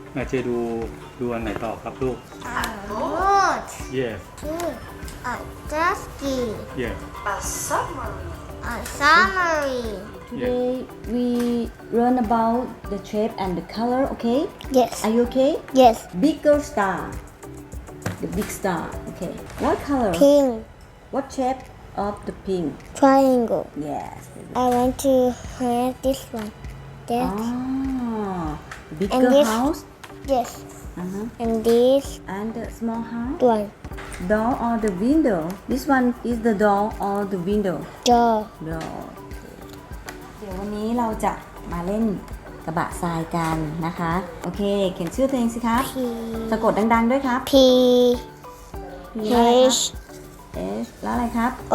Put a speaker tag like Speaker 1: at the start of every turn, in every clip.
Speaker 1: เจดูอันไหนต่อครับลูก
Speaker 2: A boat.
Speaker 1: yes
Speaker 2: A jet ski.
Speaker 1: yes
Speaker 3: A submarine.
Speaker 2: A submarine.
Speaker 4: Today we learn about the shape and the color, okay?
Speaker 2: Yes.
Speaker 4: Are you okay?
Speaker 2: Yes.
Speaker 4: Bigger star. The big star, okay. What color?
Speaker 2: Pink.
Speaker 4: What shape of the pink?
Speaker 2: Triangle.
Speaker 4: Yes.
Speaker 2: I want to have this one. That.
Speaker 4: Ah,
Speaker 2: And
Speaker 4: bigger
Speaker 2: this-
Speaker 4: house.
Speaker 2: Yes.
Speaker 4: Uh-huh.
Speaker 2: And this
Speaker 4: And the small house.
Speaker 2: one.
Speaker 4: Door or the window? This one is the door or the window?
Speaker 2: Door.
Speaker 4: Door. เดี๋ยววันนี้เราจะมาเล่นกระบะทรายกันนะคะ โอเค เขียนชื่อตัวเองสิครับ
Speaker 2: P.
Speaker 4: สะกดดังๆด้วยครับ
Speaker 2: P.
Speaker 4: P แล้วอะไรครับ
Speaker 2: H.
Speaker 4: S แล้วอะไรครับ
Speaker 2: O.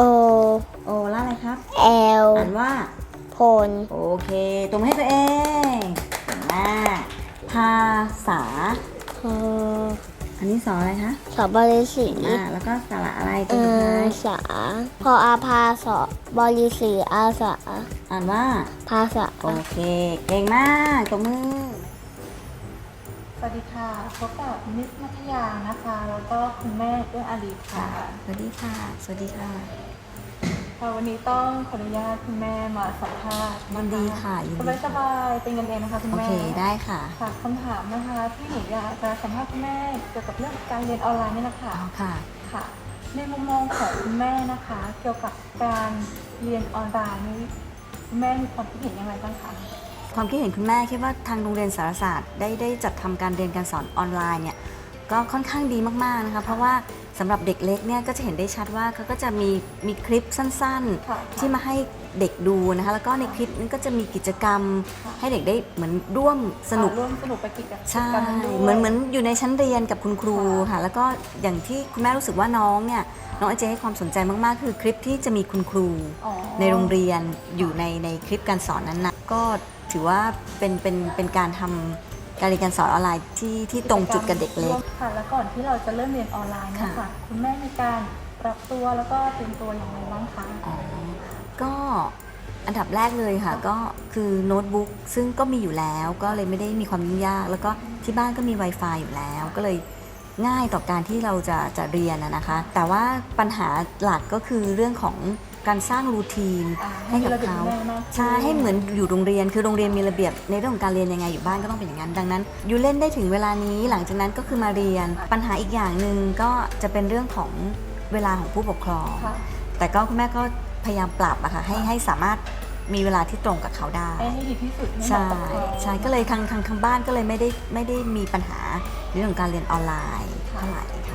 Speaker 4: O แล้วอะไรครับ
Speaker 2: L.
Speaker 4: อ่านว่า
Speaker 2: Pole.
Speaker 4: โอเคตรงให้ตัวเองเก่งมากภาษา อันนี้สอนอะไรคะ
Speaker 2: สอบบริสี
Speaker 4: แล้วก็สระอะไรตัวสุดท้าย
Speaker 2: สาพออาภาสอบริสีอาสา
Speaker 4: อ่านว่า
Speaker 2: ภาษา
Speaker 4: โอเค เก่งมากตบมือ
Speaker 3: สวัสดีค่ะ พบกับมิสมัธยานะคะ แล้วก็คุณแม่เอื้ออารีค่ะ
Speaker 4: สวัสดีค่ะ สวัสดีค่ะ
Speaker 3: ค่ะวันนี้ต้องขออนุญาตคุณแม่มาสัมภาษณ์
Speaker 4: ยินดีค่ะยินดี
Speaker 3: สบายๆเป็นกันเองนะคะคุณ
Speaker 4: โอ
Speaker 3: แม่
Speaker 4: เคได้ค่ะ
Speaker 3: ค่ะคำถามนะคะที่หนูอยากจะสัมภาษณ์คุณแม่เกี่ยวกับเรื่องการเรียนออนไลน์นี่นะคะ
Speaker 4: เอาค่ะ
Speaker 3: ค่ะ ในมุมมองของคุณแม่นะคะ เกี่ยวกับการเรียนออนไลน์นี้คุณแม่มีความคิดเห็นยังไงบ้างคะ
Speaker 4: ความคิดเห็นคุณแม่คิดว่าทางโรงเรียนสารศาสตร์ได้จัดทำการเรียนการสอนออนไลน์เนี่ยก็ค่อนข้างดีมากๆนะคะเพราะว่าสำหรับเด็กเล็กเนี่ยก็จะเห็นได้ชัดว่าเขาก็จะมีคลิปสั้น
Speaker 3: ค่ะ
Speaker 4: ๆ ที่มาให้เด็กดูนะคะแล้วก็ในคลิปนั้นก็จะมีกิจกรรม ให้เด็กได้เหมือนร่วมสนุก
Speaker 3: ร่วมสนุกไปกิจกรรม
Speaker 4: ใช่
Speaker 3: กันด้วย
Speaker 4: เหมือนอยู่ในชั้นเรียนกับคุณครูค่ะแล้วก็อย่างที่คุณแม่รู้สึกว่าน้องเนี่ยน้องไอเจให้ความสนใจมากๆ คือคลิปที่จะมีคุณครู
Speaker 3: อ๋อ
Speaker 4: ในโรงเรียนอยู่ในคลิปการสอนนั้นนะก็ถือว่าเป็นการทำการเรียนการสอนออนไลน์ที่ตรงจุดกับเด็กเล็ก
Speaker 3: ค่ะ แล้วก่อนที่เราจะเริ่มเรียนออนไลน์เนย
Speaker 4: ค่ะ
Speaker 3: คะคุณแม่มีการปรับตัวแล้วก็เตรียมตัวอย่างไรบ้างคะ
Speaker 4: อ๋อก็อันดับแรกเลยค่ะก็คือโน้ตบุ๊กซึ่งก็มีอยู่แล้วก็เลยไม่ได้มีความยุ่งยาก แล้วก็ที่บ้านก็มี Wi-Fi อยู่แล้ว ก็เลยง่ายต่อการที่เราจะเรียนนะคะ แต่ว่าปัญหาหลักก็คือเรื่องของการสร้างรูทีน ให้กับเขาใช่ให้เหมือนอยู่โรงเรียนคือโรงเรียนมีระเบียบในเรื่องของการเรียนยังไงอยู่บ้านก็ต้องเป็นอย่างนั้นดังนั้นอยู่เล่นได้ถึงเวลานี้หลังจากนั้นก็คือมาเรียนปัญหาอีกอย่างหนึ่งก็จะเป็นเรื่องของเวลาของผู้ปกครอง
Speaker 3: ค่ะ
Speaker 4: แต่ก็คุณแม่ก็พยายามปรับอะค่ะให้สามารถมีเวลาที่ตรงกับเขาได้
Speaker 3: ให้ดีที่สุดให้เห
Speaker 4: ใช่
Speaker 3: มาะกับเขา
Speaker 4: ใช่ก็เลยทางบ้านก็เลยไม่ได้มีปัญหาในเรื่องของการเรียนออนไลน์เท่าไหร่ค่ะ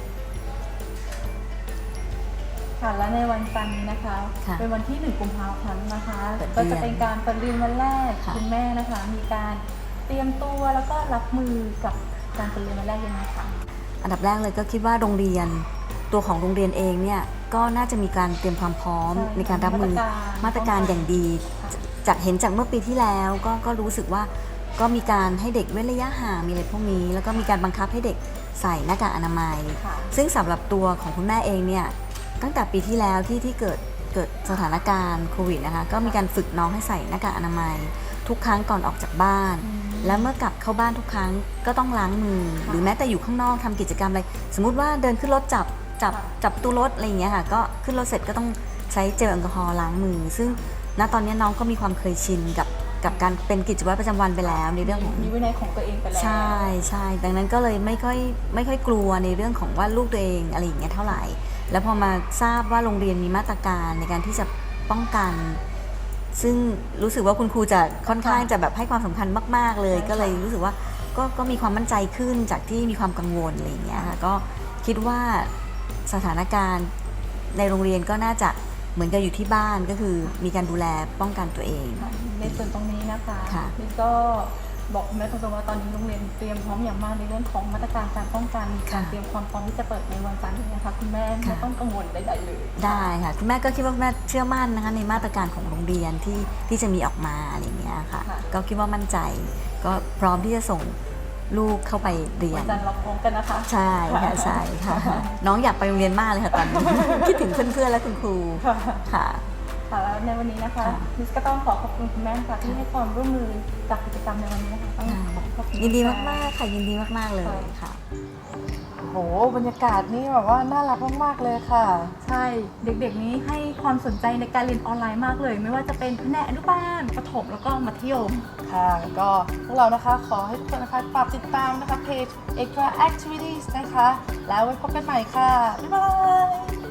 Speaker 3: ค่ะ และในวันจันทร์นี้นะคะ
Speaker 4: ค่ะ
Speaker 3: เป็นวันที่ 1 กุมภาพันธ์นะคะ
Speaker 4: เปิดเรี
Speaker 3: ก็
Speaker 4: ยน
Speaker 3: จะเป็นการเปิดเรียนวันแรก
Speaker 4: ค่ะ
Speaker 3: คุณแม่นะคะ มีการเตรียมตัวแล้วก็รับมือกับการเปิดเรียนวันแรกยังไงคะ
Speaker 4: อันดับแรกเลยก็คิดว่าโรงเรียนตัวของโรงเรียนเองเนี่ยก็น่าจะมีการเตรียมความพร้อม
Speaker 3: ใช่
Speaker 4: ในการรับมือ
Speaker 3: มา
Speaker 4: มา
Speaker 3: ต
Speaker 4: ต
Speaker 3: ร
Speaker 4: ร
Speaker 3: กา
Speaker 4: การ รอย่างดี
Speaker 3: ค่ะ
Speaker 4: จากเห็นจากเมื่อปีที่แล้วก็รู้สึกว่าก็มีการให้เด็กเว้นระยะห่างมีอะไรพวกนี้ แล้วก็มีการบังคับให้เด็กใส่หน้ากากอนามัย
Speaker 3: ค่ะ
Speaker 4: ซึ่งสำหรับตัวของคุณแม่เองเนี่ยตั้งแต่ปีที่แล้วที่เกิดสถานการณ์โควิดนะคะก็มีการฝึกน้องให้ใส่หน้ากากอนามัย ทุกครั้งก่อนออกจากบ้าน และเมื่อกลับเข้าบ้านทุกครั้งก็ต้องล้างมือ หรือแม้แต่อยู่ข้างนอกทำกิจกรรมอะไรสมมุติว่าเดินขึ้นรถจับตู้รถอะไรอย่างเงี้ยค่ะก็ขึ้นรถเสร็จก็ต้องใช้เจลแอลกอฮอล์ล้างมือ ซึ่งณตอนนี้น้องก็มีความเคยชินกับการเป็นกิจวัตรประจำวันไปแล้วในเรื่องของ
Speaker 3: มีวินัยของตัวเองไปแล้ว
Speaker 4: ใช่ดังนั้นก็เลยไม่ค่อยกลัวในเรื่องของว่าลูกตัวเองอะไรอย่างเงี้ยเท่าไหร่ แล้วพอมาทราบว่าโรงเรียนมีมาตรการในการที่จะป้องกัน ซึ่งรู้สึกว่าคุณครูจะค่อนข้างจะแบบให้ความสำคัญมากๆเลย ก็เลยรู้สึกว่าก็มีความมั่นใจขึ้นจากที่มีความกังวลอะไรอย่างเงี้ยค่ะก็คิดว่าสถานการณ์ในโรงเรียนก็น่าจะเหมือนกับอยู่ที่บ้านก็คือมีการดูแลป้องกันตัวเอง
Speaker 3: ในส่วนตรงนี้นะคะ
Speaker 4: ค่ะ
Speaker 3: นี่ก็บอกคุณแม่ตรงๆว่าตอนนี้โรงเรียนเตรียมพร้อมอย่างมากในเรื่องของมาตรการการป้องกันการเตรียมความพร้อมที่จะเปิดในวันจันทร์นี้นะคะคุณแม่ไม่ต้องกังวลใดๆเลย
Speaker 4: ได้ค่ะคุณแม่ก็คิดว่าคุณแม่เชื่อมั่นนะคะในมาตรการของโรงเรียนที่จะมีออกมาอะไรอย่างเงี้ยค่ะก็คิดว่ามั่นใจก็พร้อมที่จะส่งลูกเข้าไปเรีย
Speaker 3: วัน นจันทร์เราพร้อมกันนะคะ
Speaker 4: ใช่ค่ะใช่ค่ะน้องอยากไปโรงเรียนมากเลยค่ะตอนนี้ คิดถึงเพื่อนๆและคุณครูค่ะ
Speaker 3: ค่ะแล้วในวันนี้นะคะ
Speaker 4: ค่ะ
Speaker 3: มิสก็ต้องขอขอบคุณคุณแม่ค่ะที่ให้ความร่วมมือจากกิจกรรมในวันนี้นะคะต้องขอบคุณ
Speaker 4: ยินดีมากๆค่ะยินดีมากๆเลยค่ะ
Speaker 5: โหบรรยากาศนี่แบบว่าน่ารักมากๆเลยค่ะ
Speaker 3: ใช่เด็กๆนี้ให้ความสนใจในการเรียนออนไลน์มากเลย ไม่ว่าจะเป็นแผนกอนุบาลประถมแล้วก็มัธยม
Speaker 5: ค่ะก็พวกเรานะคะขอให้ทุกคนนะคะฝากติดตามนะคะเพจ Extra Activities นะคะ แล้วไว้พบกันใหม่ค่ะ บ๊ายบาย